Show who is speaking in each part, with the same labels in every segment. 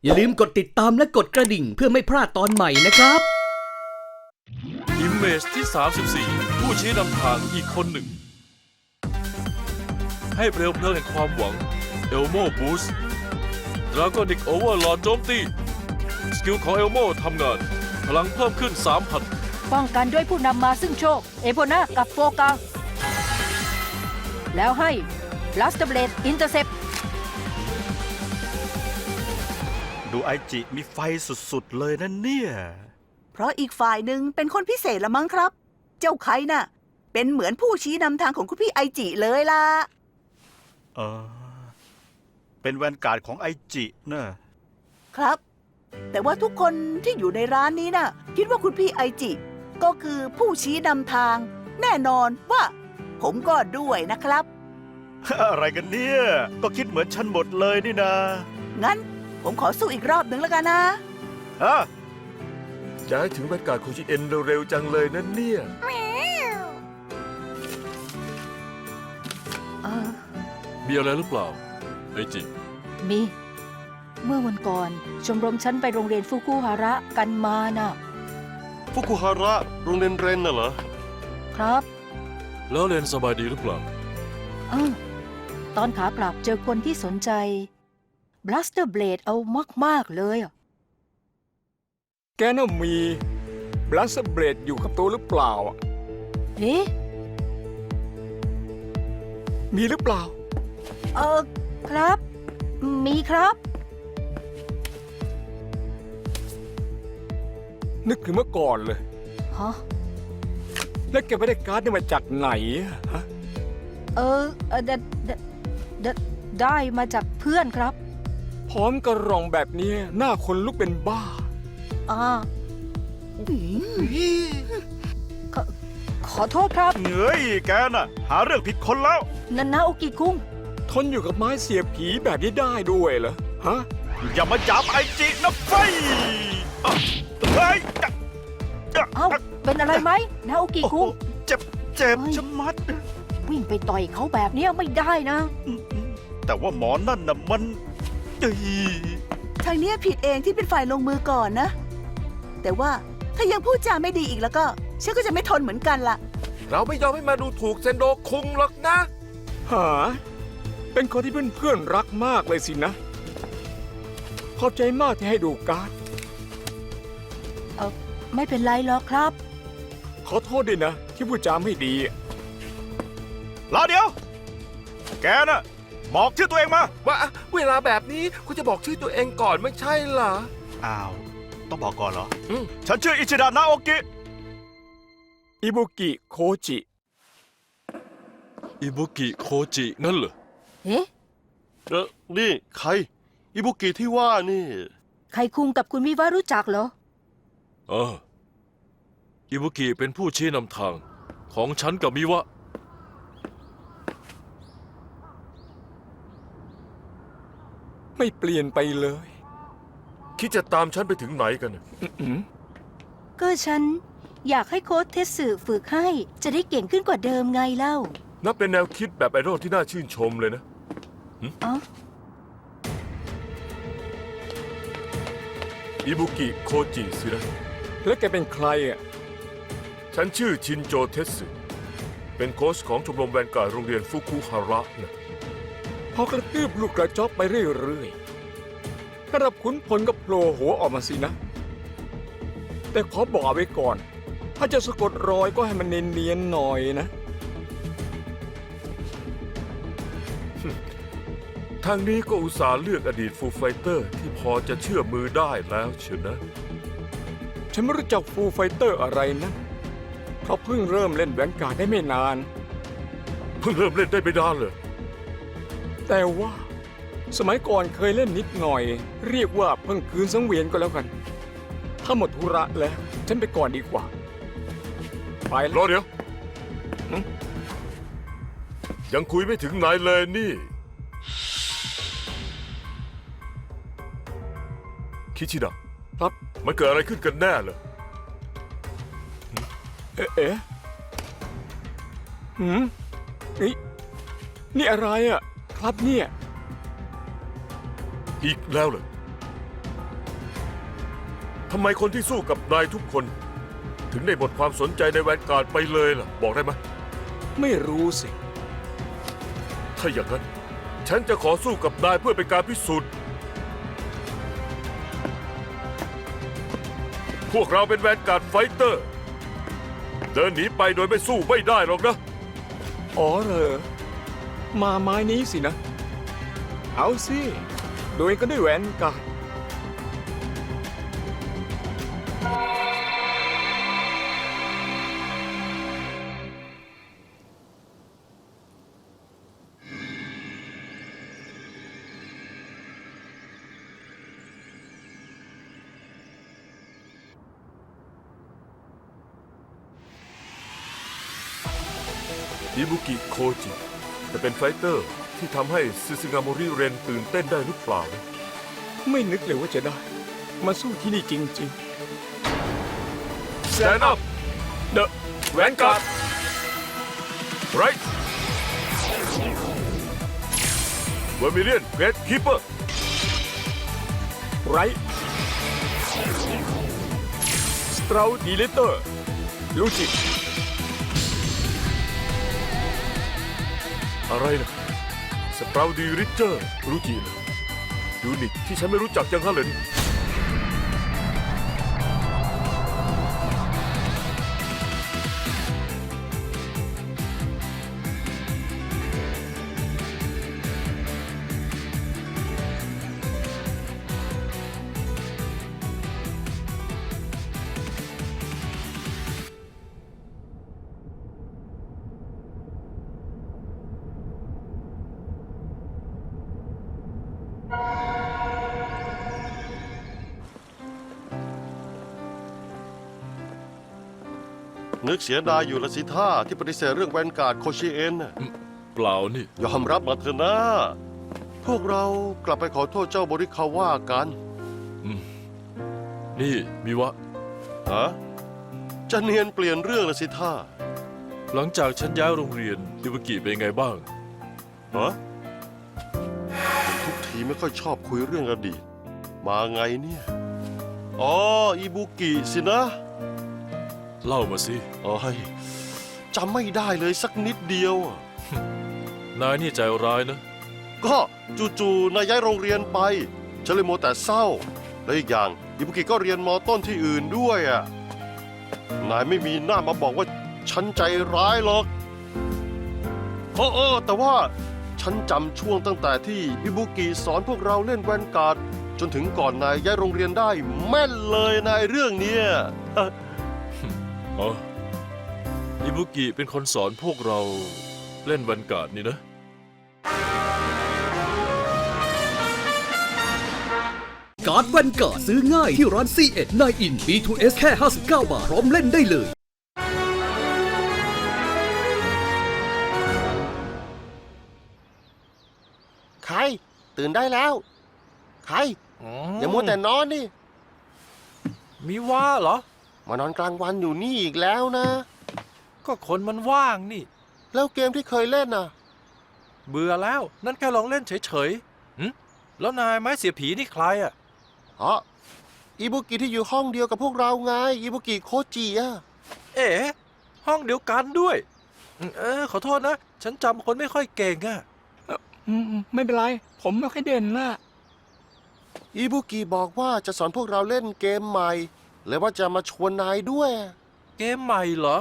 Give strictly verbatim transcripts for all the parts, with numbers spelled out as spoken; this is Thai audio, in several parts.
Speaker 1: อย่าลืมกดติดตามและกดกระดิ่งเพื่อไม่พลาดตอนใหม่นะครับ
Speaker 2: Image ที่ สามสิบสี่ ผู้ชี้นำทางอีกคนหนึ่ง ให้เปลวเพลิงแห่งความหวัง Elmo Boost Dragonic Overlord โจมตี สกิลของ Elmo ทำงาน พลังเพิ่มขึ้น สามพัน
Speaker 3: ป้องกันด้วยผู้นำมาซึ่งโชค เอโพนากับโฟกังแล้วให้ Blaster Blade Intercept
Speaker 4: ดูไอจิมีไฟสุดๆเลยนะเนี่ย
Speaker 5: เพราะอีกฝ่ายหนึ่งเป็นคนพิเศษละมั้งครับ เจ้าไคน่ะ เป็นเหมือนผู้ชี้นำทางของคุณพี่ไอจิเลยล่ะ
Speaker 4: เออ เป็นแวนการ์ดของไอจินะครับ
Speaker 5: แต่ว่าทุกคนที่อยู่ในร้านนี้น่ะ คิดว่าคุณพี่ไอจิ ก็คือผู้ชี้นำทาง แน่นอนว่า ผมก็ด้วยนะครับ
Speaker 4: อะไรกันเนี่ย ก็คิดเหมือนฉันหมดเลยนี่นะ
Speaker 5: งั้นผมขอสู้อีกรอบหนึ่งแล้วกันนะ
Speaker 4: ฮะ
Speaker 6: จะให้ถึงบรรยากาศโคชิเอ็นเร็วๆจังเลยนะเนี่ย
Speaker 3: เออ
Speaker 2: มีอะไรหรือเปล่า ไอจิ
Speaker 3: มี เมื่อวันก่อน ชมรมฉันไปโรงเรียนฟุกุฮาระกันมาน่ะ
Speaker 6: ฟุกุฮาระ โรงเรียนเรนน่ะเหรอ
Speaker 3: ครับ
Speaker 2: แล้วเรนสบายดีหรือเปล่า
Speaker 3: เออตอนขากลับเจอคนที่สนใจ Blaster Blade เอามากๆเลยอะ
Speaker 7: แกน่ะมีบลัสเบรดอยู่กับตัวหรือเปล่าอะ
Speaker 3: เอ๊ะ
Speaker 7: มีหรือเปล่า
Speaker 3: เออครับ มีครับ
Speaker 7: นึกถึงเมื่อก่อนเลย
Speaker 3: ฮะ
Speaker 7: แล้วแกไปได้การ์ดนี่มาจากไหนอะฮะ
Speaker 3: เออเออไดไดไดได้มาจากเพื่อนครับ
Speaker 7: พร้อมกระรองแบบนี้หน้าคนลุกเป็นบ้า
Speaker 3: อ่าขอขอโทษครับ
Speaker 4: เหนื่อยแกน่ะ หาเรื่องผิดคนแล้ว
Speaker 3: นันนาโอกิคุง
Speaker 7: ทนอยู่กับไม้เสียบผีแบบนี้ได้ด้วยเหรอ ฮะ
Speaker 4: อย่ามาจับไอจินะไฟอ่ะเฮ้ยจะจะ
Speaker 3: เอ้า เป็นอะไรไหมนาโอกิ
Speaker 4: โอ้โห
Speaker 3: คุง
Speaker 4: เจ็บเจ็บ
Speaker 3: เฮ้ย
Speaker 4: ชะมัด
Speaker 3: วิ่งไปต่อยเขาแบบเนี้ยไม่ได้นะ
Speaker 4: แต่ว่าหมอนั่นน่ะมันเอ้ย
Speaker 5: ทางเนี้ยผิดเองที่เป็นฝ่ายลงมือก่อนนะ แต่ว่าถ้ายังพูดจาไม่ดีอีกแล้วก็ ฉันก็จะไม่ทนเหมือนกันล่ะ
Speaker 6: เราไม่ยอมให้มาดูถูกเซนโดคุงหรอกนะ
Speaker 7: หา เป็นคนที่เพื่อนๆรักมากเลยสินะ ขอบใจมากที่ให้ดูการ์ด
Speaker 3: เออไม่เป็นไรหรอกครับ
Speaker 7: ขอโทษด้วยนะ ที่พูดจาไม่ดี
Speaker 4: รอเดี๋ยว แกน่ะ บอกชื่อตัวเองมา
Speaker 6: ว่าเวลาแบบนี้คุณจะบอกชื่อตัวเองก่อนไม่ใช่เหรอ
Speaker 4: อ้าว ต้องบอกก่อนเหรอ
Speaker 6: อืม
Speaker 4: ฉันชื่ออิชิดะนาโอกิ
Speaker 7: อิบุกิโคจิ
Speaker 2: อิบุกิโคจินั่นเหรอ
Speaker 3: เอ๊ะ
Speaker 6: เออนี่ใคร อิบุกิที่ว่านี่
Speaker 3: ใครคุงกับคุณวิวารู้จักเหรอ
Speaker 2: เออ อิบุกิเป็นผู้ชี้นำทาง ของฉันกับมิวะ
Speaker 7: ไม่เปลี่ยนไปเลย
Speaker 6: คิดจะตามฉันไปถึงไหนกันน่ะ
Speaker 7: อืม
Speaker 3: ก็ฉันอยากให้โค้ชเทสสึฝึกให้ จะได้เก่งขึ้นกว่าเดิมไงเล่า
Speaker 6: นับเป็นแนวคิดแบบไอดอลที่น่าชื่นชมเลยนะ
Speaker 3: อ๋อ
Speaker 6: อิบุกิโคจิสินะ
Speaker 7: แล้วแกเป็นใครอ่ะ
Speaker 6: ฉันชื่อชินโจเทสึเป็นโค้ชของชมรมแวนการ์ดโรงเรียนฟุกุฮาระนะ
Speaker 7: พอกระตืบลูกกระจอกไปเรื่อยๆระดับขุนพลก็โผล่หัวออกมาสินะ แต่ขอบอกไว้ก่อน ถ้าจะสะกดรอยก็ให้มันเนียนๆหน่อยนะ
Speaker 6: ทางนี้ก็อุตส่าห์เลือกอดีตฟูไฟเตอร์ที่พอจะเชื่อมือได้แล้วเชียวนะ
Speaker 7: ฉันไม่รู้จักฟูลไฟเตอร์อะไรนะเขาเพิ่งเริ่มเล่นแวนการ์ดได้ไม่นาน
Speaker 6: เพิ่งเริ่มเล่นได้ไม่นานเลย
Speaker 7: แต่ว่าสมัยก่อนเคยเล่นนิดหน่อย เรียกว่าเพิ่งคืนสังเวียนก็แล้วกัน ถ้าหมดธุระแล้ว ฉันไปก่อนดีกว่า ไป
Speaker 6: ร
Speaker 7: แล้
Speaker 6: อ
Speaker 7: ว
Speaker 6: เดี๋ยว
Speaker 7: หึ
Speaker 6: ยังคุยไม่ถึงไหนเลยนี่ คิชิดะ
Speaker 7: ครับ
Speaker 6: มันเกิดอะไรขึ้นกันแน่เลย
Speaker 7: เอ๊ะเอ๊ะหืมนี่นี่อะไรอ่ะ ครับเนี่ย
Speaker 6: อีกแล้วเลยทำไมคนที่สู้กับนายทุกคน ถึงได้หมดความสนใจในแวนการ์ดไปเลยล่ะ บอกได้ไหม
Speaker 7: ไม่รู้สิ
Speaker 6: ถ้าอย่างนั้น ฉันจะขอสู้กับนายเพื่อเป็นการพิสูจน์ พวกเราเป็นแวนการ์ดไฟเตอร์ เดินหนีไปโดยไม่สู้ไม่ได้หรอกนะ
Speaker 7: อ๋อเหรอ มาไม้นี้สินะ เอาสิ โดยก็ด้วยแหวนการ์ด
Speaker 6: อิบุกิโคจิจะเป็นไฟเตอร์ที่ทำให้ซึซึงาโมริเรนตื่นเต้นได้หรือเปล่านะ
Speaker 7: ไม่นึกเลยว่าจะได้ มาสู้ที่นี่จริง
Speaker 6: Stand up The Vanguard Right Vermilion Great Keeper
Speaker 7: ๆ ไรสตราวดีเลเตอร์ ลูจิ
Speaker 6: อะไรนะสปราวดีริเจอร์รู้จีนะยูนิตที่ฉันไม่รู้จักยังฮะเลยนี่
Speaker 8: นึกเสียดายอยู่ละสิท่าที่ปฏิเสธเรื่องแวนการ์ดโคชิเอ็นน่ะ
Speaker 2: เปล่านี่
Speaker 8: ยอมรับมาเถอะนะ พวกเรากลับไปขอโทษเจ้าบริคาว่ากัน
Speaker 2: นี่มิวะ
Speaker 8: ฮะจะเนียนเปลี่ยนเรื่องละสิท่า
Speaker 2: หลังจากฉันย้ายโรงเรียนอิบุกิเป็นไงบ้าง
Speaker 8: ฮะทุกทีไม่ค่อยชอบคุยเรื่องอดีต มาไงเนี่ย อ๋ออิบุกิสินะ
Speaker 2: เล่ามาสิ
Speaker 8: โอ้ยจำไม่ได้เลยสักนิดเดียวอะ
Speaker 2: นายนี่ใจร้ายนะ
Speaker 8: ก็จู่ๆนายย้ายโรงเรียนไปฉันเลยโมวแต่เศร้า และอีกอย่างอิบุกิก็เรียนมอต้นที่อื่นด้วยอ่ะนายไม่มีหน้ามาบอกว่าฉันใจร้ายหรอกโอ้โอ้แต่ว่าฉันจำช่วงตั้งแต่ที่อิบุกิสอนพวกเราเล่นแวนการ์ดจนถึงก่อนนายย้ายโรงเรียนได้แม่นเลยนายเรื่องเนี้ย
Speaker 2: อ๋อ อิบุกิเป็นคนสอนพวกเราเล่นแวนการ์ดนี่นะ
Speaker 1: การ์ดแวนการ์ดซื้อง่ายที่ร้าน ซี เอ็ด ไนน์ อิน บี ทู เอส แค่ ห้าสิบเก้า บาท พร้อมเล่นได้เลย
Speaker 8: ใครตื่นได้แล้ว ใครอย่ามัวแต่นอนนี่
Speaker 9: มีว่าเหรอ
Speaker 8: มานอนกลางวันอยู่นี่อีกแล้วนะ
Speaker 9: ก็คนมันว่างนี่
Speaker 8: แล้วเกมที่เคยเล่นน่ะ
Speaker 9: เบื่อแล้ว นั่นแค่ลองเล่นเฉยๆหึแล้วนายไม้เสียผีนี่ใครอ่ะ
Speaker 8: อ๋ออิบุกิที่อยู่ห้องเดียวกับพวกเราไงอิบุกิโคจิอะ
Speaker 9: เอ๋ห้องเดียวกันด้วย เออขอโทษนะ ฉันจำคนไม่ค่อยเก่งอ่ะ
Speaker 7: อืมไม่เป็นไร ผมไม่ค่อยเด่นนะ
Speaker 8: อิบุกิบอกว่าจะสอนพวกเราเล่นเกมใหม่และว่าจะมาชวนนายด้วย
Speaker 9: เกมใหม่เหรอ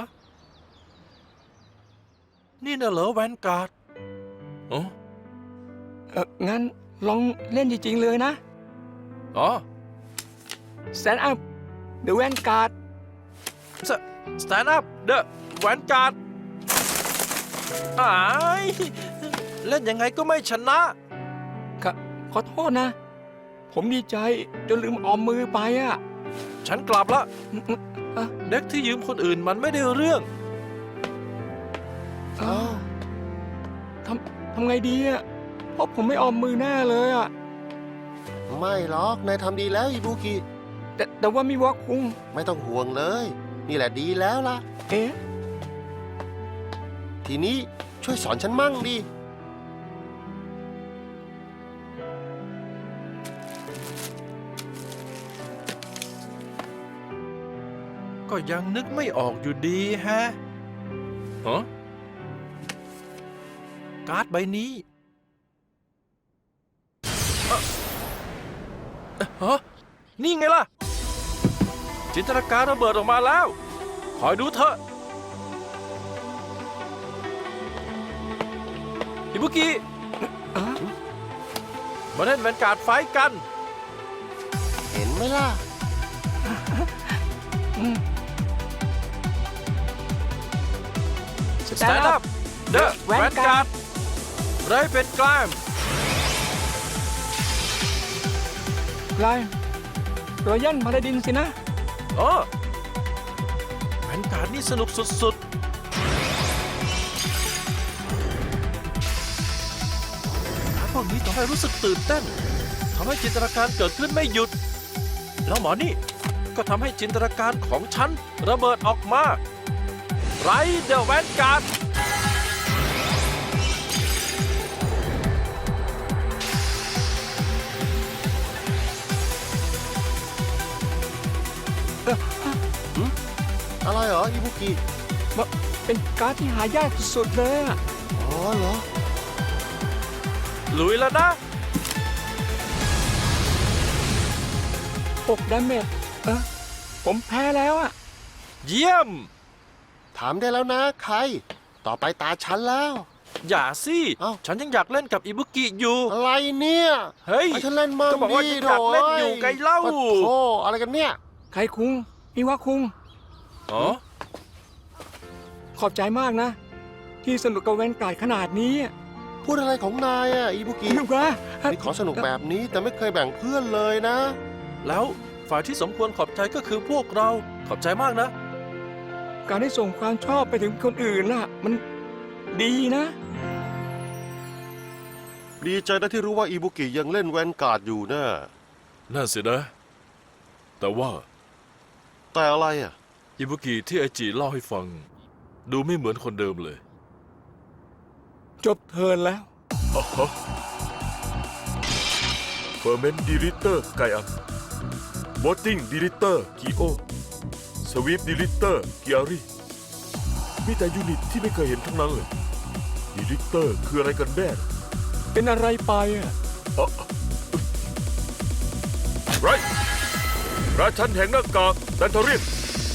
Speaker 9: นี่น่ะเหรอแวนการ์ดอ๋อ
Speaker 7: เอองั้นลองเล่นจริงๆเลยนะ
Speaker 9: อ๋อ
Speaker 7: Stand up The Vanguard
Speaker 9: Stand up The Vanguard อ้ายเล่นยังไงก็ไม่ชนะ
Speaker 7: ขอขอโทษนะ ผมดีใจจนลืมออมมือไปอ่ะ
Speaker 9: ฉันกลับละ
Speaker 7: อืมอืมอ่ะ
Speaker 9: เด็กที่ยืมคนอื่นมันไม่ได้เรื่อง
Speaker 7: อ้าวทำทำไงดีอ่ะ เพราะผมไม่ออมมือแน่เลยอ่ะ
Speaker 8: ไม่หรอกนายทำดีแล้วอิบุกิ
Speaker 7: แต่แต่ว่ามีวอกคุง
Speaker 8: ไม่ต้องห่วงเลย นี่แหละดีแล้วล่ะ
Speaker 7: เอ๊ะ
Speaker 8: ทีนี้ช่วยสอนฉันมั่งดิ
Speaker 7: อ
Speaker 9: ก็ยังนึกไม่ออกอยู่ดีแฮะฮะการ์ดใบนี้เอ่อฮะนี่ไงล่ะ จินตนาการระเบิดออกมาแล้ว คอยดูเถอะอิบุกิมาเล่นแวนการ์ดไฟท์กัน
Speaker 8: เห็นไหมล่ะ
Speaker 9: Stand up The Vanguard ไรเป็นกลาง
Speaker 7: ไกลรอยันพาราดินสินะ
Speaker 9: อ๋อแวนการ์ดนี่สนุกสุดๆการ์ดพวกนี้ทำให้รู้สึกตื่นเต้นทำให้จินตนาการเกิดขึ้นไม่หยุด แล้วหมอนี่ก็ทำให้จินตนาการของฉันระเบิดออกมาไรเดอะแวนการ์ด
Speaker 8: อะไรเหรออิบุกิ
Speaker 7: เป็นการ์ดที่หายากสุดๆเลยอะ
Speaker 8: อ๋อเหรอ
Speaker 9: ลุยแล้วนะ
Speaker 7: หกดาเมจเออผมแพ้แล้วอะ
Speaker 9: เยี่ยม
Speaker 8: ถามได้แล้วนะใคร ต่อไปตาฉันแล้ว
Speaker 9: อย่าสิ
Speaker 8: เอ้า
Speaker 9: ฉันยังอยากเล่นกับอิบุกิอยู่
Speaker 8: อะไรเนี่ย
Speaker 9: เฮ้ย
Speaker 8: ให้ฉันเล่นมั่ง
Speaker 9: ก็บอกว่า
Speaker 8: ดิ
Speaker 9: ยังอยากเล่นอยู่ไงเล่า
Speaker 8: ปะโธ่อะไรกันเนี่ย
Speaker 7: ใครคุงมิวะคุง
Speaker 9: อ๋อ
Speaker 7: ขอบใจมากนะ ที่สนุกกับแวนการ์ดขนาดนี้อะ
Speaker 8: พูดอะไรของนายอ่ะอิบุกิ
Speaker 7: มิวะ
Speaker 8: มีของสนุกแบบนี้แต่ไม่เคยแบ่งเพื่อนเลยนะ
Speaker 9: แล้วฝ่ายที่สมควรขอบใจก็คือพวกเราขอบใจมากนะ
Speaker 7: การได้ส่งความชอบไปถึงคนอื่นน่ะ มันดีนะ
Speaker 8: ดีใจนะที่รู้ว่าอิบุกิยังเล่นแวนการ์ดอยู่นะ
Speaker 2: น่าเสียนะ แต่ว่า
Speaker 8: แต่อะไรอ่ะ
Speaker 2: อิบุกิที่ไอจิเล่าให้ฟัง ดูไม่เหมือนคนเดิมเลย
Speaker 7: จบเทิร์นแล้ว
Speaker 6: อ๋อฮะเฟอร์เมนต์ดีลิเตอร์ไกอัมบอตติ้งดีลิเตอร์กิโอสวีปดีลิเตอร์กิอารีมีแต่ยูนิตที่ไม่เคยเห็นทั้งนั้นเลยดีลิเตอร์คืออะไรกันแน่
Speaker 7: เป็นอะไรไปอะ
Speaker 6: อ๋อไรราชันแห่งหน้ากากดันทอรีน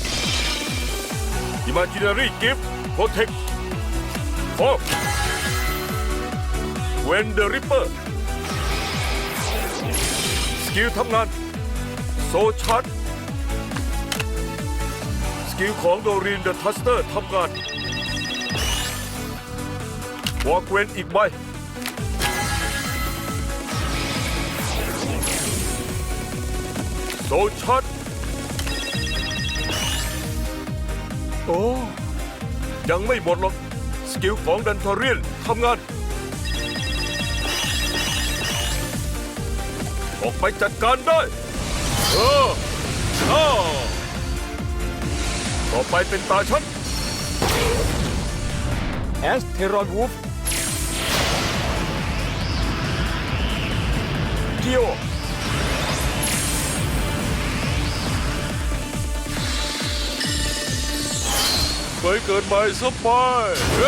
Speaker 6: อิมาจินารีกิฟต์โปรเทคโฟเวนเดอริปเปอร์สกิลทำงานโซชาร์ดสกิลของโดรีนเดอะทัสเตอร์ทำงานวอล์กเวนอีกใบโซชาร์ด
Speaker 7: โอ้
Speaker 6: ยังไม่หมดหรอกสกิลของดันทอรีนทำงาน ออกไปจัดการได้เออเออต่อไปเป็นตาฉัน
Speaker 7: แอสเทรอนวูฟเกียว
Speaker 2: ไปเกิดใหม่ซะไปเย้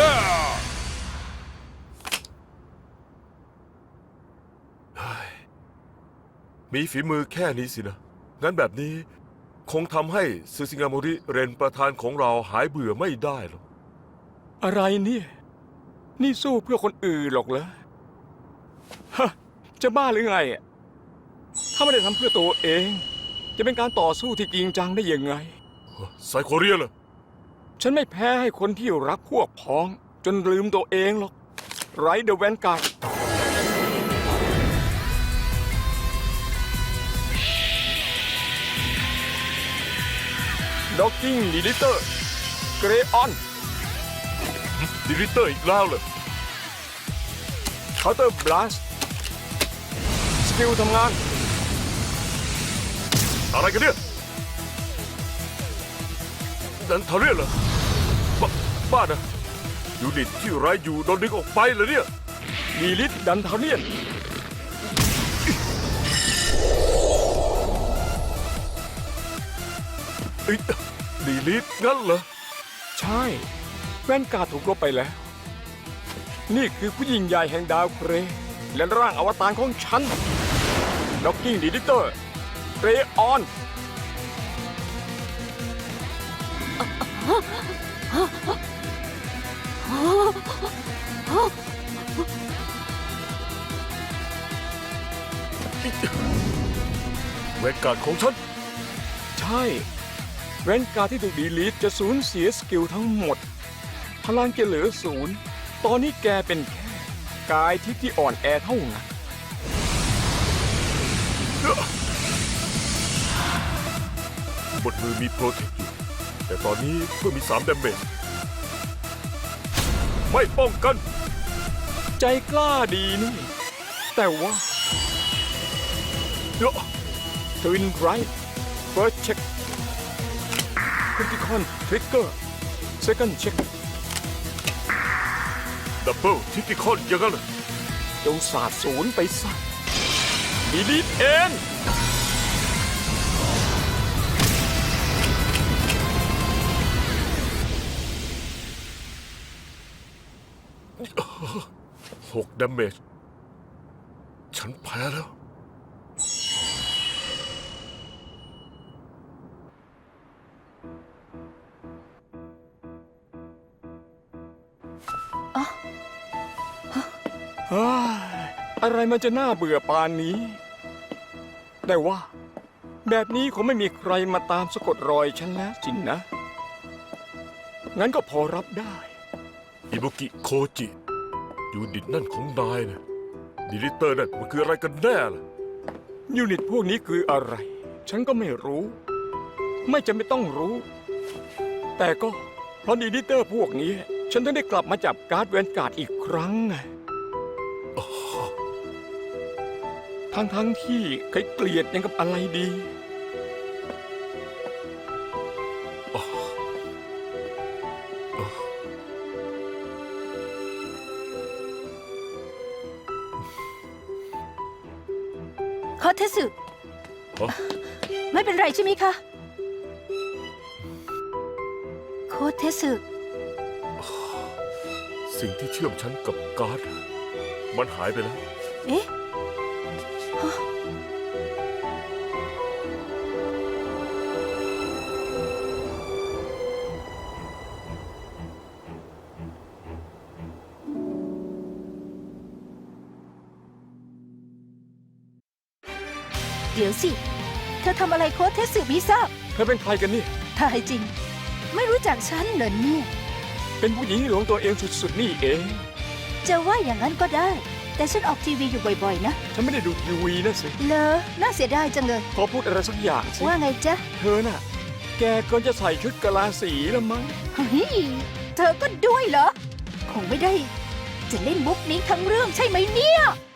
Speaker 6: มีฝีมือแค่นี้สินะ งั้นแบบนี้คงทำให้ซึซิงาโมริเรนประธานของเราหายเบื่อไม่ได้หรอก
Speaker 7: อะไรเนี่ย นี่สู้เพื่อคนอื่นหรอกเหรอฮะจะบ้าหรือไงอะถ้าไม่ได้ทำเพื่อตัวเอง จะเป็นการต่อสู้ที่จริงจังได้ยังไง
Speaker 6: ไซโคเรียล่ะ
Speaker 7: ฉันไม่แพ้ให้คนที่รักพวกพ้อง จนลืมตัวเองหรอกไรเดอะแวนการ์ดด็อกกิ้งดีลิเตอร์เกรออน
Speaker 6: ดิริเตอร์อีกแล้วเลย
Speaker 7: เคาน์เตอร์บลัสสกิลทำงาน
Speaker 6: อะไรกันเนี่ยดันทอรีนเหรอบ้าบ้านะยูนิตที่ไร้อยู่โดนดึงออกไปเหรอเนี่ย
Speaker 7: ดีลิทดันทาเนียน
Speaker 6: เอ้ยดีลิทงั้นเหรอ
Speaker 7: ใช่แว่นการ์ดถูกลบไปแล้ว นี่คือผู้หญิงใหญ่แห่งดาวเคราะห์และร่างอวตารของฉันล็อกกิ้งดีลิเตอร์เรออน
Speaker 6: แวนการ์ดของฉัน
Speaker 7: ใช่แว่นการ์ดที่ถูกดีลีทจะสูญเสียสกิลทั้งหมด พลังจะเหลือศูนย์ตอนนี้แกเป็นแค่กายทิพย์ที่อ่อนแอเท่านั้น
Speaker 6: บนมือมีโปรเทคอยู่ แต่ตอนนี้เพิ่มมีสามดาเมจไม่ป้องกัน
Speaker 7: ใจกล้าดีนี่ แต่ว่าทวินไรท์เฟิร์สเช็คคริติคอนทริกเกอร์เซคันด์เช็ค
Speaker 6: ดับเบิลทิติคอนอย่างนั้นเหรอ
Speaker 7: จงสาดศูนย์ไปซะดีลีทเอ็น
Speaker 6: หกดาเมจฉันแพ้แล้ว
Speaker 7: เฮ้ยอะไรมันจะน่าเบื่อปานนี้ แต่ว่า แบบนี้คงไม่มีใครมาตามสะกดรอยฉันแล้วสินนะ งั้นก็พอรับได้
Speaker 6: อิบุกิโคจิยูนิตนั่นของนายนะดีลิเตอร์นั่นมันคืออะไรกันแน่ล่ะ
Speaker 7: ยูนิตพวกนี้คืออะไร ฉันก็ไม่รู้ ไม่จำเป็นต้องรู้ แต่ก็เพราะดีลิเตอร์พวกนี้ ฉันถึงได้กลับมาจับการ์ดแวนการ์ดอีกครั้งไงทั้งทั้งๆที่เคยเกลียดยังกับอะไรดี
Speaker 3: คอเทสึ
Speaker 6: ฮะ
Speaker 3: ไม่เป็นไรใช่ไหมคะโคเทสึ
Speaker 6: สิ่งที่เชื่อมฉันกับการ์ดมันหายไปแล้ว
Speaker 3: เอ๊ะฮะเดี๋ยวสิ เธอทำอะไรโคเทสึไม่ทราบ
Speaker 7: เธอเป็นใครกันนี่
Speaker 3: ตายจริง ไม่รู้จักฉันเหรอเนี่ย
Speaker 7: เป็นผู้หญิงที่หลงตัวเองสุดๆนี่เอง
Speaker 3: จะว่าอย่างนั้นก็ได้ แต่ฉันออกทีวีอยู่บ่อยๆนะ
Speaker 7: ฉันไม่ได้ดูทีวีนะสิ
Speaker 3: เลอน่าเสียดายจังเลย
Speaker 7: ขอพูดอะไรสักอย่างสิ
Speaker 3: ว่าไงจ๊ะ
Speaker 7: เธอน่ะ แกก็จะใส่ชุดกะลาสีแล้วมั้ง
Speaker 3: เฮ้ยเธอก็ด้วยเหรอ คงไม่ได้ จะเล่นมุกนี้ทั้งเรื่องใช่ไหมเนี่ย